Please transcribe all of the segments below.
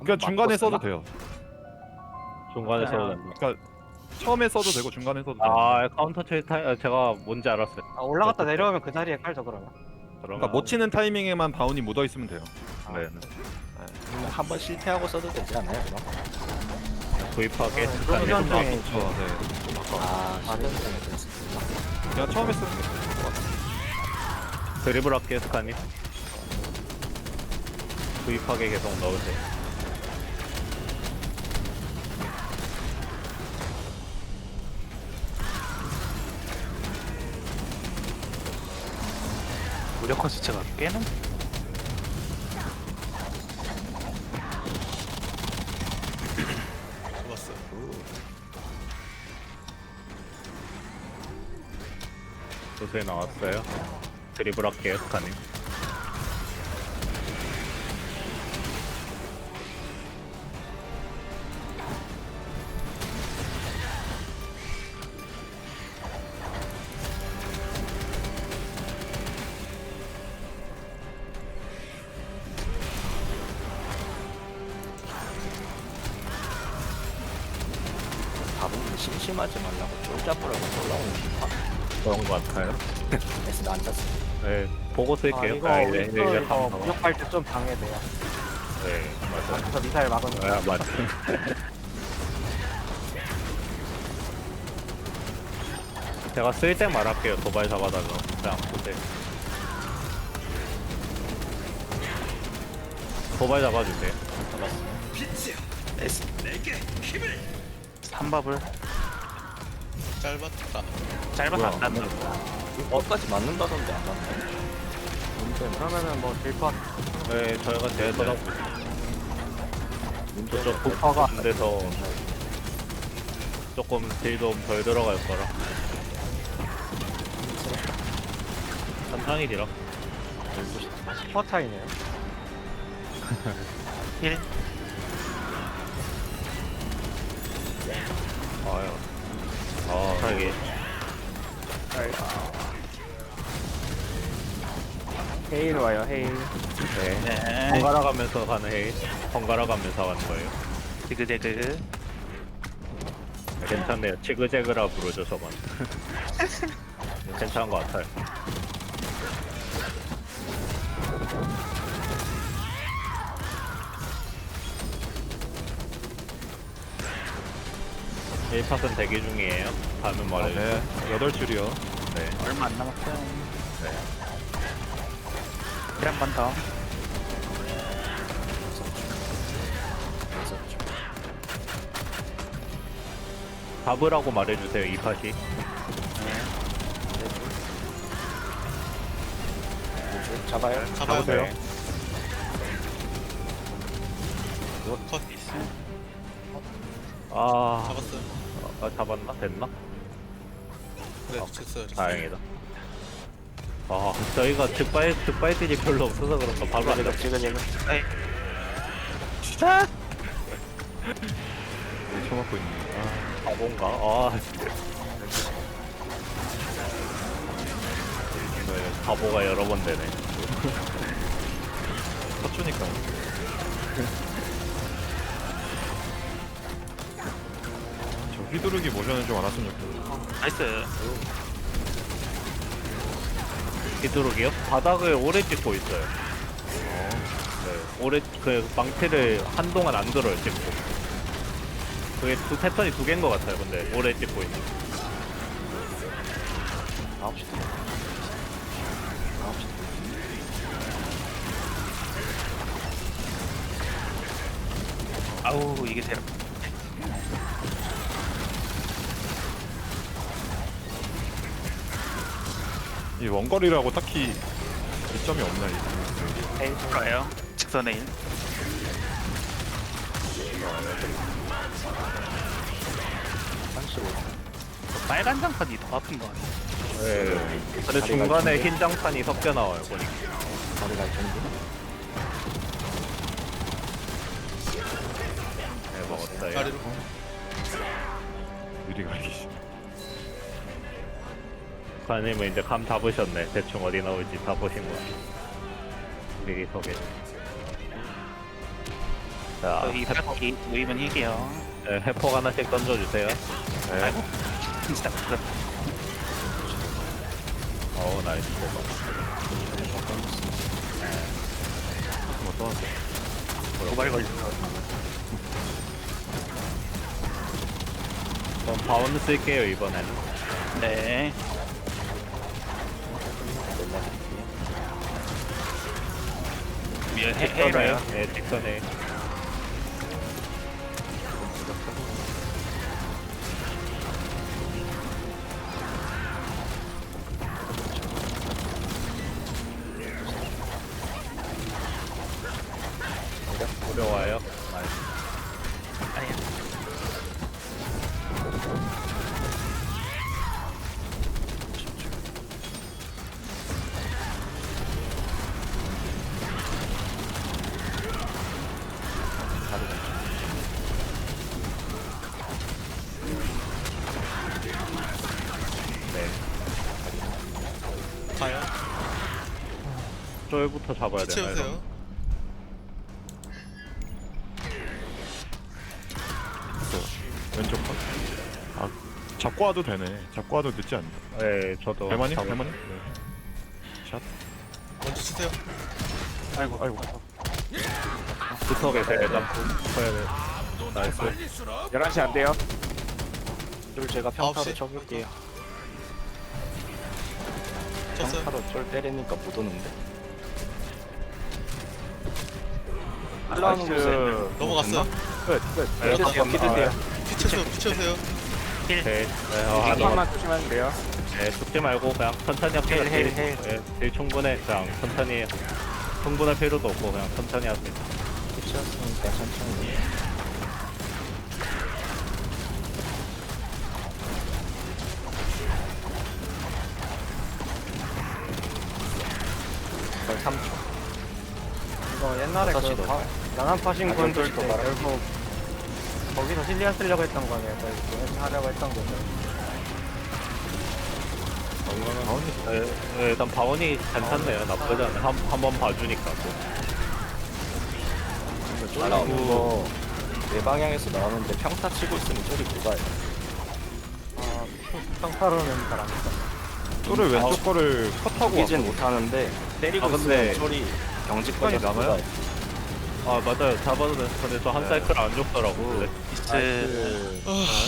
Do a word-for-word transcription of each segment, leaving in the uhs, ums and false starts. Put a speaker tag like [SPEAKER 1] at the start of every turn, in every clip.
[SPEAKER 1] 그러니까 중간에 써도 돼요.
[SPEAKER 2] 중간에 써도
[SPEAKER 3] 그냥-
[SPEAKER 2] 된다.
[SPEAKER 1] 그러니까 처음에 써도 되고 중간에 써도 돼요.
[SPEAKER 2] 아 카운터 칠 타이 제가 뭔지 알았어요.
[SPEAKER 3] 아, 올라갔다
[SPEAKER 2] 어떡해.
[SPEAKER 3] 내려오면 그 자리에 깔죠 그러면.
[SPEAKER 2] 그러면
[SPEAKER 1] 그러니까 못 치는 타이밍에만 바운이 묻어 있으면 돼요.
[SPEAKER 2] 네.
[SPEAKER 4] 음, 한번 실패하고 써도 되지 않아요 그럼?
[SPEAKER 2] 구입하게
[SPEAKER 3] 아,
[SPEAKER 2] 스칸이
[SPEAKER 3] 그러면
[SPEAKER 1] 좀
[SPEAKER 3] 네.
[SPEAKER 1] 아깝죠. 네. 좀 아까워.
[SPEAKER 4] 아
[SPEAKER 3] 아, 네.
[SPEAKER 4] 실패하면 됐습니다.
[SPEAKER 1] 그냥 처음에 쓰는 게 좋을 것 같아요.
[SPEAKER 2] 드리블 할게 스칸이. 구입하게 계속 넣으세요.
[SPEAKER 5] 무력화 수치가 꽤는
[SPEAKER 6] 좋았어.
[SPEAKER 2] 도수에 나왔어요. 드리블 할게요 스칸이.
[SPEAKER 4] 가보면 심심하지 말라고 쫄잡으라고 올라오는 거
[SPEAKER 2] 그런 것 같아요.
[SPEAKER 4] 에스는 안 잤어.
[SPEAKER 2] 네 보고
[SPEAKER 3] 아
[SPEAKER 2] 쓸게요.
[SPEAKER 3] 이거
[SPEAKER 2] 아,
[SPEAKER 3] 우리
[SPEAKER 2] 이제
[SPEAKER 3] 또
[SPEAKER 2] 이제
[SPEAKER 3] 이거
[SPEAKER 2] 한번 더.
[SPEAKER 3] 무력할 때 좀 방해돼요.
[SPEAKER 2] 네 맞아요.
[SPEAKER 3] 그래서 미사일 막은 거.
[SPEAKER 2] 아 맞아. 제가 쓸 때 말할게요. 도발 잡아달라. 그냥 보세요. 도발 잡아주세요.
[SPEAKER 4] 에스
[SPEAKER 5] 삼밥을
[SPEAKER 6] 짧았다.
[SPEAKER 5] 짧아서 안 닿는
[SPEAKER 4] 어까지 맞는다던데 안 맞나요? 문제는
[SPEAKER 3] 그러면은 뭐 딜컷
[SPEAKER 2] 네 저희가 제일 쳐다보고
[SPEAKER 4] 문제는
[SPEAKER 2] 저쪽 부파가 안 돼서 조금 딜도 덜 들어갈 거라. 천천히 딜어.
[SPEAKER 3] 스포 차이네요.
[SPEAKER 5] 일
[SPEAKER 2] 아유. 아 이게
[SPEAKER 3] 헤일 와요 헤일.
[SPEAKER 2] 네.
[SPEAKER 5] 네
[SPEAKER 2] 번갈아 가면서 가는 헤이. 번갈아 가면서 가는 거예요.
[SPEAKER 5] 디그데그
[SPEAKER 2] 괜찮네요. 치그제그라 부르죠 저건. 괜찮은 것 같아요. 일 팟은 대기 중이에요. 다음은
[SPEAKER 1] 아,
[SPEAKER 2] 말해주세요.
[SPEAKER 1] 네. 여덟 줄이요.
[SPEAKER 2] 네.
[SPEAKER 5] 얼마 안 남았어요.
[SPEAKER 2] 네.
[SPEAKER 5] 일 한 번 더.
[SPEAKER 2] 잡으라고 말해주세요. 이 팟이.
[SPEAKER 4] 잡아요.
[SPEAKER 6] 잡아요.
[SPEAKER 2] 잡으세요.
[SPEAKER 6] 컷.
[SPEAKER 2] 아,
[SPEAKER 6] 잡았어요.
[SPEAKER 2] 아 잡았나? 됐나?
[SPEAKER 6] 네, 됐어요. 됐어요.
[SPEAKER 2] 다행이다. 아, 저희가 득발, 득발들이 별로 없어서 그런가 바로 안 잡.
[SPEAKER 4] 지금 지금
[SPEAKER 5] 에이
[SPEAKER 1] 네, 쳐맞고 있네. 아,
[SPEAKER 2] 바본가? 아, 네, 바보가 여러 번 되네.
[SPEAKER 1] 터추니까. 저 휘두르기 모션을 좀 알았으면 좋겠어요.
[SPEAKER 5] 나이스.
[SPEAKER 2] 휘두르기요? 바닥을 오래 찍고 있어요. 네, 오래 그 망치를 한동안 안 들어요 찍고. 그게 두 패턴이 두 개인 것 같아요. 근데 오래 찍고 있는.
[SPEAKER 4] 아홉 시 아홉 시
[SPEAKER 5] 아우 이게 대
[SPEAKER 1] 이 원거리라고 딱히 이점이 없나 이게.
[SPEAKER 5] 에이 좋아요. 직선에 일.
[SPEAKER 4] 삼십오.
[SPEAKER 5] 빨간 장판이 더 아픈 거 같아.
[SPEAKER 2] 네. 근데 중간에 흰 장판이 섞여 나와요 보니까.
[SPEAKER 4] 머리 갈 정도.
[SPEAKER 2] 네, 먹었어요.
[SPEAKER 6] 다리로.
[SPEAKER 1] 유리 가기.
[SPEAKER 2] 관님은 이제 감 잡으셨네. 대충 어디 나올지 다 보신 거야. 미리 소개. 자,
[SPEAKER 5] 저희 바퀴 모이면 이게요.
[SPEAKER 2] 네, 해폭 하나씩 던져주세요.
[SPEAKER 1] 네.
[SPEAKER 5] 진짜 그렇
[SPEAKER 2] 어우, 나이스.
[SPEAKER 5] 도발 걸려.
[SPEAKER 2] 그럼 바운드 쓸게요, 이번에는.
[SPEAKER 5] 네. 해, 해로요.
[SPEAKER 2] 네, 직선에. 어려워요. 나이스.
[SPEAKER 5] 아니야.
[SPEAKER 2] 네.
[SPEAKER 6] 가요.
[SPEAKER 2] 쫄부터 잡아야
[SPEAKER 6] 피
[SPEAKER 2] 되나요?
[SPEAKER 6] 채우세요.
[SPEAKER 1] 왼쪽 컷. 아 잡고 와도 되네. 잡고 와도 늦지 않나.
[SPEAKER 2] 네, 저도.
[SPEAKER 1] 대만이?
[SPEAKER 2] 잡-
[SPEAKER 1] 대만이? 네. 샷.
[SPEAKER 6] 먼저 치세요.
[SPEAKER 1] 아이고 아이고.
[SPEAKER 2] 붙어 계세요, 일단. 붙어야 돼. 나이스.
[SPEAKER 3] 열한 시 안 돼요?
[SPEAKER 4] 쫄 제가
[SPEAKER 6] 아홉
[SPEAKER 4] 평타로
[SPEAKER 6] 시?
[SPEAKER 4] 쳐볼게요.
[SPEAKER 6] 쳤어요.
[SPEAKER 4] 평타로 쫄 때리니까 못 오는데.
[SPEAKER 3] 올라오는 곳에
[SPEAKER 6] 넘어갔어요.
[SPEAKER 3] 끝, 끝.
[SPEAKER 2] 네,
[SPEAKER 3] 믿으세요,
[SPEAKER 2] 한 번,
[SPEAKER 3] 믿으세요.
[SPEAKER 6] 피 채우세요. 피 채우세요.
[SPEAKER 2] 오케이. 네, 어,
[SPEAKER 3] 한
[SPEAKER 2] 한 번.
[SPEAKER 3] 번만 조심하면 돼요.
[SPEAKER 2] 네, 죽지 말고 그냥 천천히 합시다.
[SPEAKER 3] 헬, 헬,
[SPEAKER 2] 딜,
[SPEAKER 3] 헬.
[SPEAKER 2] 네, 딜 충분해. 그냥 천천히 해요. 흥분할 필요도 없고 그냥 천천히 하세요.
[SPEAKER 4] 피치였으니까 천천히. 걸 삼 초.
[SPEAKER 3] 이거 옛날에
[SPEAKER 4] 다시
[SPEAKER 3] 그
[SPEAKER 4] 넣어요.
[SPEAKER 3] 바- 나난 파신
[SPEAKER 4] 아,
[SPEAKER 3] 분들
[SPEAKER 4] 열두
[SPEAKER 3] 때
[SPEAKER 4] 시 더
[SPEAKER 3] 결국 거기서 실리안 쓰려고 했던 거네요. 그래서 하려고 했던 거죠.
[SPEAKER 2] 네, 네, 일단 바원이 괜찮네요. 나쁘지 않아요. 한, 한 번 봐주니까. 또.
[SPEAKER 4] 근데 쫄 나오는 거 내 방향에서 나오는데 평타 치고 있으면 쫄이 좁아요.
[SPEAKER 3] 아, 평타로는 잘안 했어.
[SPEAKER 1] 쫄을 왼쪽 거를 컷하고
[SPEAKER 4] 이기진 못하는데 때리고
[SPEAKER 2] 아, 근데
[SPEAKER 4] 있으면 쫄이 경직 걸려서
[SPEAKER 1] 남아요?
[SPEAKER 4] 좁아요.
[SPEAKER 2] 아, 맞아요. 잡아도 돼. 근데 저 한
[SPEAKER 1] 네.
[SPEAKER 2] 사이클 안 죽더라고.
[SPEAKER 5] 이스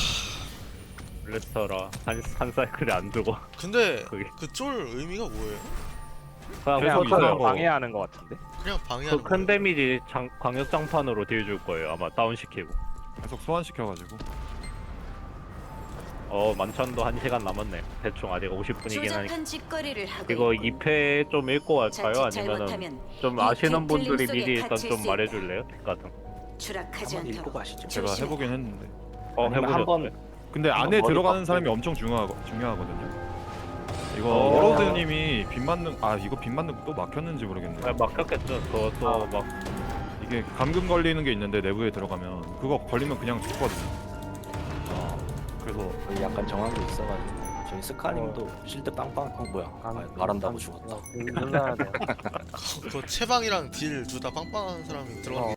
[SPEAKER 2] 블레스터라. 한, 한 사이클이 안 죽어.
[SPEAKER 6] 근데
[SPEAKER 2] 그게.
[SPEAKER 6] 그 쫄 의미가 뭐예요?
[SPEAKER 2] 그냥
[SPEAKER 1] 그냥
[SPEAKER 2] 포터를
[SPEAKER 1] 이상한 거.
[SPEAKER 3] 방해하는 것 같은데.
[SPEAKER 6] 그냥 방해하는
[SPEAKER 2] 그 큰
[SPEAKER 6] 거예요.
[SPEAKER 2] 데미지 장, 광역 장판으로 딜 줄 거예요. 아마 다운시키고.
[SPEAKER 1] 계속 소환시켜가지고.
[SPEAKER 2] 어, 만찬도 한 시간 남았네. 대충 아직 오십 분이긴 하니까.
[SPEAKER 7] 조잡한 짓거리를 하고
[SPEAKER 2] 이거
[SPEAKER 7] 있군.
[SPEAKER 2] 이 패 좀 읽고 갈까요?
[SPEAKER 7] 자칫
[SPEAKER 2] 아니면은
[SPEAKER 7] 잘못하면
[SPEAKER 2] 좀
[SPEAKER 7] 이
[SPEAKER 2] 아시는
[SPEAKER 7] 뒤틀림
[SPEAKER 2] 분들이
[SPEAKER 7] 속에
[SPEAKER 2] 미리 일단
[SPEAKER 7] 갇힐
[SPEAKER 2] 좀
[SPEAKER 7] 수
[SPEAKER 2] 말해줄래요? 팁 같은 거.
[SPEAKER 7] 추락하지
[SPEAKER 4] 한번 읽고
[SPEAKER 7] 않도록
[SPEAKER 4] 가시죠.
[SPEAKER 1] 제가
[SPEAKER 7] 조심해.
[SPEAKER 1] 해보긴 했는데.
[SPEAKER 2] 어,
[SPEAKER 4] 아니면
[SPEAKER 2] 해보셨어요?
[SPEAKER 4] 한번
[SPEAKER 1] 근데
[SPEAKER 4] 한번
[SPEAKER 1] 안에
[SPEAKER 4] 머리
[SPEAKER 1] 들어가는
[SPEAKER 4] 깎고.
[SPEAKER 1] 사람이 엄청 중요하, 중요하거든요. 이거
[SPEAKER 2] 어.
[SPEAKER 1] 워로드님이 빗 맞는 아 이거 빗 맞는 거 또 막혔는지 모르겠네.
[SPEAKER 2] 아, 막혔겠죠. 그것도 막
[SPEAKER 1] 이게 감금 걸리는 게 있는데 내부에 들어가면 그거 걸리면 그냥 죽거든요. 아, 그래서
[SPEAKER 4] 거의 약간 정한 게 있어가지고 저희 스카님도 실드 빵빵 어 뭐야 아, 말한다고 죽었다.
[SPEAKER 3] 눌러야 돼.
[SPEAKER 6] 그 채방이랑 딜 둘 다 빵빵한 사람이 들어가는 게